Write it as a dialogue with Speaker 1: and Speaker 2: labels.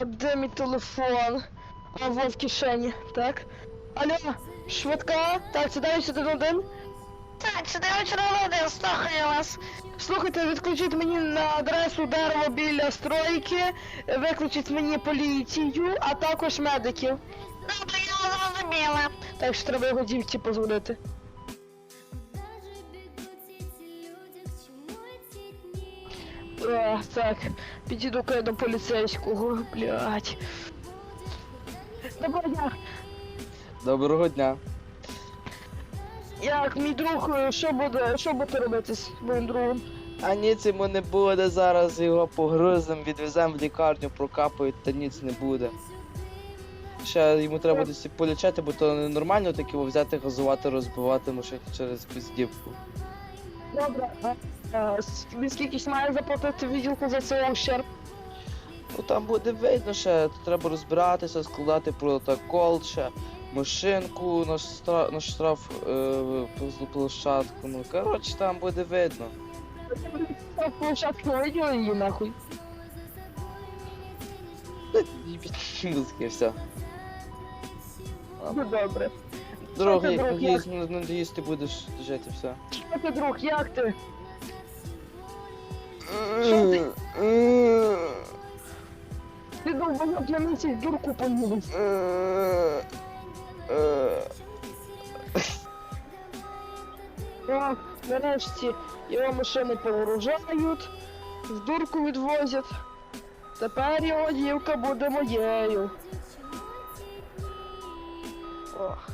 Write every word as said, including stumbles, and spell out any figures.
Speaker 1: Де мій телефон? А, во в кишені, так. Алло, швидка? Так, це дев'ять один один.
Speaker 2: Так, це дев'ять один, слухаю вас.
Speaker 1: Слухайте, відключіть мені на адресу дерево біля стройки, виключіть мені поліцію, а також медиків.
Speaker 2: Добре, я зрозуміла.
Speaker 1: Так що треба його дівці позвонити. А, так, підійду-ка я до поліцейського, блядь. Доброго дня.
Speaker 3: Доброго дня.
Speaker 1: Як мій друг, що буде, що буде робити з моїм другом?
Speaker 3: А ніц йому не буде, зараз його погрузимо, відвеземо в лікарню, прокапають, та ніц не буде. Ще йому треба десь полічати, бо то ненормально таке взяти, газувати, розбивати машину через піздівку.
Speaker 1: Добре, а, а, с- він скільки ж має заплатити відділку за цей ущерб?
Speaker 3: Ну там буде видно ще, то треба розбиратися, складати протокол ще, машинку на штраф, на штраф е, площадку, ну коротше там буде видно.
Speaker 1: Площадку виділи її нахуй.
Speaker 3: Музики, все.
Speaker 1: Ну добре.
Speaker 3: Дорогий,
Speaker 1: друг,
Speaker 3: надіюсь, не надіюсь, ти будеш жити, все.
Speaker 1: Що ти, друг, як ти? Ти довбанок, я місяць дурку поїду. Так, нарешті його машини повооружають, в дурку відвозять. Тепер його дівка буде моєю. Ох.